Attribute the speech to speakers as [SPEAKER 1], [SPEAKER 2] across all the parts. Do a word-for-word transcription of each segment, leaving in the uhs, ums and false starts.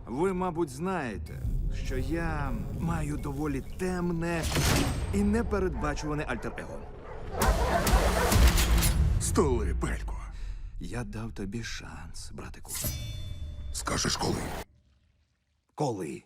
[SPEAKER 1] Ви, мабуть, знаєте, що я маю доволі темне і непередбачуване альтер-его.
[SPEAKER 2] Столи, Пелько.
[SPEAKER 1] Я дав тобі шанс, братику.
[SPEAKER 2] Скажеш коли?
[SPEAKER 1] Коли?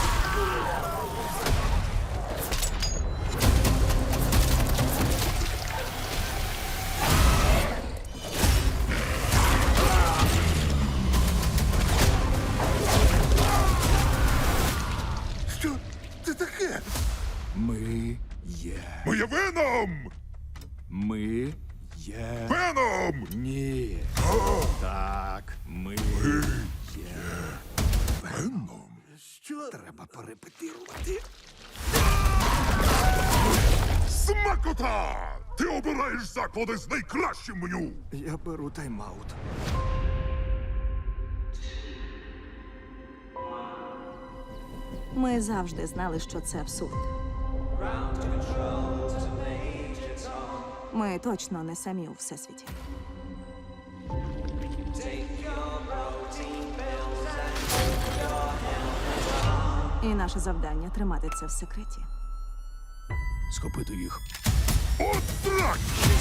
[SPEAKER 2] Що це таке?
[SPEAKER 1] Ми є.
[SPEAKER 2] Ми є Веном!
[SPEAKER 1] Ми є.
[SPEAKER 2] Веном!
[SPEAKER 1] Ні. Так, ми є.
[SPEAKER 2] Веном? Що?
[SPEAKER 1] Треба перепетирувати.
[SPEAKER 2] Смакота! Ти обираєш заклади з найкращим меню!
[SPEAKER 1] Я беру тайм-аут.
[SPEAKER 3] Ми завжди знали, що це абсурд. Ми точно не самі у всесвіті. І наше завдання тримати це в секреті.
[SPEAKER 1] Схопити їх.
[SPEAKER 2] От так!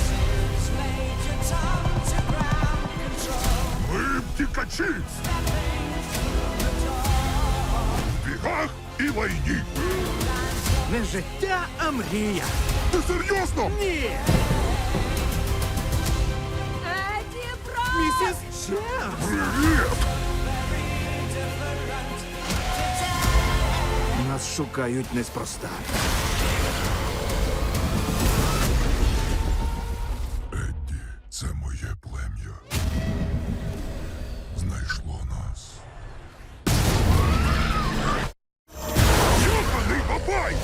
[SPEAKER 2] Ми втікачі! В бігах і лайні!
[SPEAKER 1] Не життя, а мрія.
[SPEAKER 2] Ти серйозно?
[SPEAKER 1] Ні!
[SPEAKER 3] Еді Бро!
[SPEAKER 1] Місіс Чемс!
[SPEAKER 2] Привіт!
[SPEAKER 1] Нас шукають неспроста.
[SPEAKER 2] Едді, це моє плем'я. Знайшло нас. Йоханий бабай!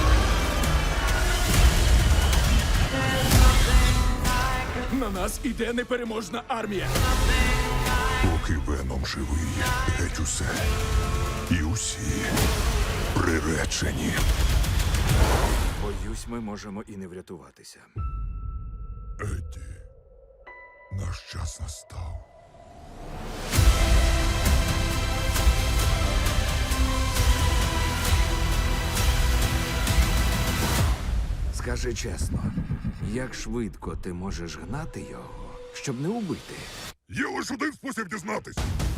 [SPEAKER 1] На нас іде непереможна армія.
[SPEAKER 2] Поки Веном живий, геть усе. І усі приречені.
[SPEAKER 1] Боюсь, ми можемо і не врятуватися.
[SPEAKER 2] Едді, наш час настав.
[SPEAKER 1] Скажи чесно, як швидко ти можеш гнати його, щоб не убити?
[SPEAKER 2] Є лише один спосіб дізнатись.